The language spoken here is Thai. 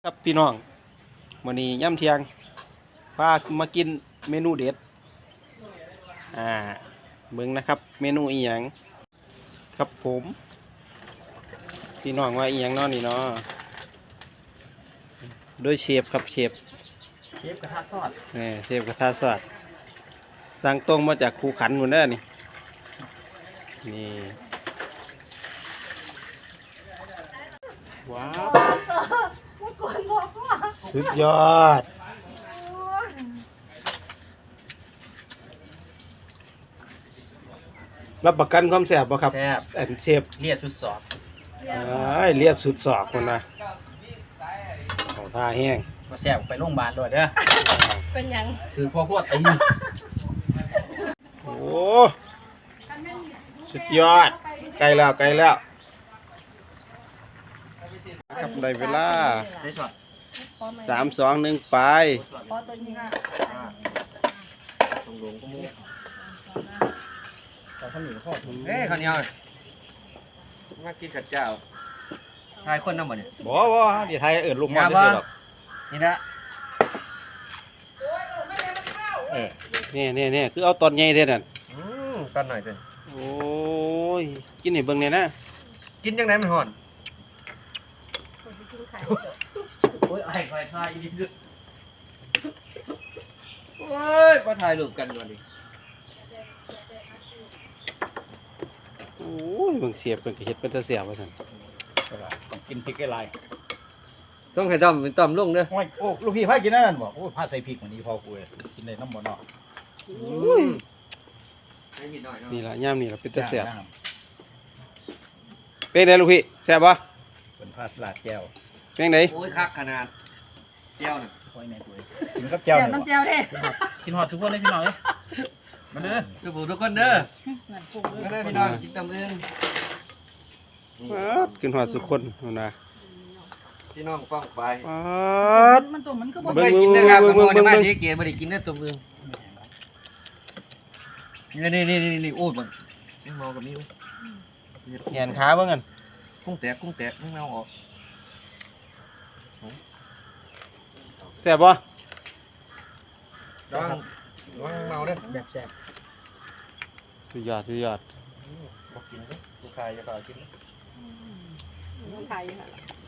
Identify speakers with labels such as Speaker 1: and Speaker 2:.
Speaker 1: ครับพี่น้องมื้อนี้ย่ำเที่ยงพามากินเมนูเด็ดเบิ่งนะครับเมนูอีหยังครับผมพี่น้องว่าอีหยังเนาะนี่เนาะโดยเชฟครับเชฟ
Speaker 2: กระทะซอส
Speaker 1: เชฟกระทะสวัสดสั่งตรงมาจากคูขันหมดเด้อนี่ว้าวสุดยอดรับประกันความแซ่บบ่ครับ
Speaker 2: แซ่บ
Speaker 1: เชฟ
Speaker 2: เลียดสุดสอบ
Speaker 1: เลียดสุดศอกคนนะของท่าแห้ง
Speaker 2: มาแซ่บไปโรงพยาบาลด้วยเด้อ
Speaker 3: เป็นยัง
Speaker 2: ถือพ่อพวดตี
Speaker 1: โอ้สุดยอดไกลแล้วครับได้เวลา
Speaker 2: ได้ช็อต
Speaker 1: 3 2 1ไป
Speaker 3: พอตัวนี้ค่ะ
Speaker 2: ตรงลงก็มูข้าวเหนียวข้าวข้าวเหนียวมากินกับเจ้าทายคนน้ำบ่เนี่ย
Speaker 1: บ่เดี๋ยวไทยลงมาได้หรอก
Speaker 2: นี่นะ
Speaker 1: นี่คือเอาตอนใหญ่เท่านั้น
Speaker 2: ตอนหน่อยเถอะ
Speaker 1: โอ้ยกินให้เบิ่งเนี่ยนะ
Speaker 2: กินยังไงมันห่อน
Speaker 3: โอ้ย
Speaker 2: ไอ้ไฟทายอีกด้วยโอ้ยมาถ่ายรูปกันก่อนดิ
Speaker 1: โอ้ยเบิ่งเสียบเบิ่งเฮ็ดเป็นตาเสียบว่าซั่น
Speaker 4: ต้องกินพริกไอ้ลาย
Speaker 2: ต้องให้ต้อมเป็นต้อมลงเด้อ
Speaker 4: โอ้ยโอ้ลูกพี่พากินนั่นบ่โอ้พาใส่พริกมันนี้พอกูเลยกินได้น้ำบ่เนาะ
Speaker 1: นี่ล่ะย่ามนี่ล่ะเป็นตาเสียบเป็นไงลูกพี่แซ่บบ่
Speaker 4: เป็นพาสลัดแก้ว
Speaker 1: เป็นไง
Speaker 2: โอ้ยคักขนาดแก้วน่ะ
Speaker 4: โอ้ยแม่ตัวกินกับแก้ว
Speaker 3: น้ำแจ่วเด้
Speaker 2: กินหอดทุกคนเลยพี่น้องเอ้ยมาเด้อทุกคนเด้อมาเด้อพี่น้องกินตำลึง
Speaker 1: กินหอดสุคนนะ
Speaker 2: พี่น้องฟังไป
Speaker 3: มันตัวมันก็บ่
Speaker 2: ได้กินนะครับผมจะมาที่เกียร์ไม่ได้กินได้ตัวมึงนี่โอ้ยมันไม่มองกับนี่ไหม
Speaker 1: แขนขาเบิ่งกัน
Speaker 2: กุ้งแตกไม่เอาออก
Speaker 1: แซ่บบ่
Speaker 2: ระวังเมาเด้อแบบแซ่บ
Speaker 1: สุดยอด
Speaker 2: บอกกินเด้อลูกชายจะต่อกิน
Speaker 3: น้องไทยค่ะ